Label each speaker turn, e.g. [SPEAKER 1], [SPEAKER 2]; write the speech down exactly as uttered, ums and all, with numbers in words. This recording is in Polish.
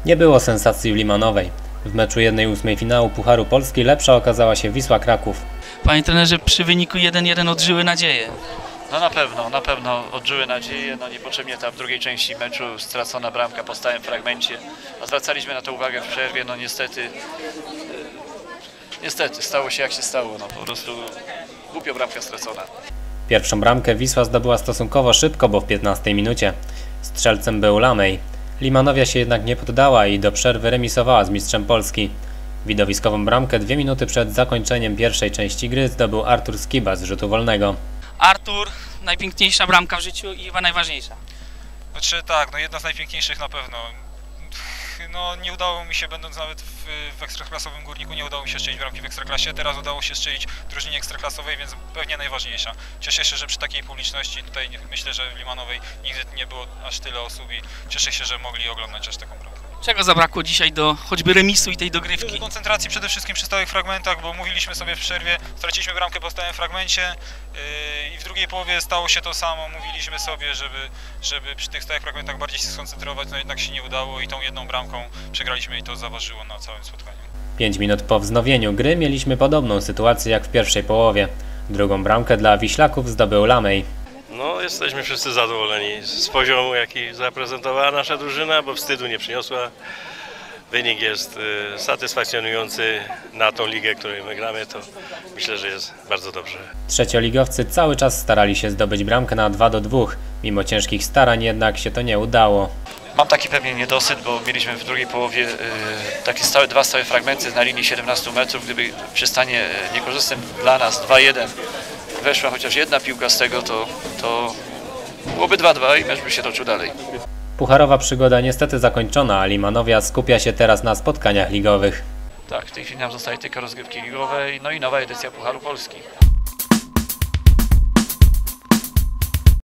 [SPEAKER 1] Nie było sensacji w Limanowej. W meczu jednej ósmej finału Pucharu Polski lepsza okazała się Wisła Kraków.
[SPEAKER 2] Panie trenerze, przy wyniku jeden jeden odżyły nadzieję.
[SPEAKER 3] No na pewno, na pewno odżyły nadzieję, no niepotrzebnie ta w drugiej części meczu stracona bramka po stałym fragmencie. A zwracaliśmy na to uwagę w przerwie, no niestety, niestety stało się jak się stało, no po prostu głupio bramka stracona.
[SPEAKER 1] Pierwszą bramkę Wisła zdobyła stosunkowo szybko, bo w piętnastej minucie. Strzelcem był Lamej. Limanowia się jednak nie poddała i do przerwy remisowała z mistrzem Polski. Widowiskową bramkę dwie minuty przed zakończeniem pierwszej części gry zdobył Artur Skiba z rzutu wolnego.
[SPEAKER 2] Artur, najpiękniejsza bramka w życiu i chyba najważniejsza.
[SPEAKER 4] Znaczy tak, no jedna z najpiękniejszych na pewno. No nie udało mi się, będąc nawet w, w ekstraklasowym Górniku, nie udało mi się strzelić bramki w ekstraklasie. Teraz udało się strzelić w drużynie ekstraklasowej, więc pewnie najważniejsza. Cieszę się, że przy takiej publiczności, tutaj myślę, że w Limanowej nigdy nie było aż tyle osób i cieszę się, że mogli oglądać aż taką bramkę.
[SPEAKER 2] Czego zabrakło dzisiaj do choćby remisu i tej dogrywki?
[SPEAKER 4] Koncentracji przede wszystkim przy stałych fragmentach, bo mówiliśmy sobie w przerwie, straciliśmy bramkę po stałym fragmencie yy, i w drugiej połowie stało się to samo. Mówiliśmy sobie, żeby, żeby przy tych stałych fragmentach bardziej się skoncentrować, no jednak się nie udało i tą jedną bramką przegraliśmy i to zaważyło na całym spotkaniu.
[SPEAKER 1] Pięć minut po wznowieniu gry mieliśmy podobną sytuację jak w pierwszej połowie. Drugą bramkę dla Wiślaków zdobył Lamej.
[SPEAKER 5] No, jesteśmy wszyscy zadowoleni z poziomu, jaki zaprezentowała nasza drużyna, bo wstydu nie przyniosła. Wynik jest y, satysfakcjonujący na tą ligę, której my gramy, to myślę, że jest bardzo dobrze.
[SPEAKER 1] Trzecioligowcy cały czas starali się zdobyć bramkę na dwa do dwóch. Mimo ciężkich starań jednak się to nie udało.
[SPEAKER 3] Mam taki pewnie niedosyt, bo mieliśmy w drugiej połowie y, takie stałe, dwa stałe fragmenty na linii siedemnastu metrów. Gdyby przy stanie niekorzystnym dla nas dwa jeden weszła chociaż jedna piłka z tego, to, to byłoby dwa dwa i mecz by się toczył dalej.
[SPEAKER 1] Pucharowa przygoda niestety zakończona, a Limanowia skupia się teraz na spotkaniach ligowych.
[SPEAKER 3] Tak, w tej chwili nam zostaje tylko rozgrywki ligowe, no i nowa edycja Pucharu Polski.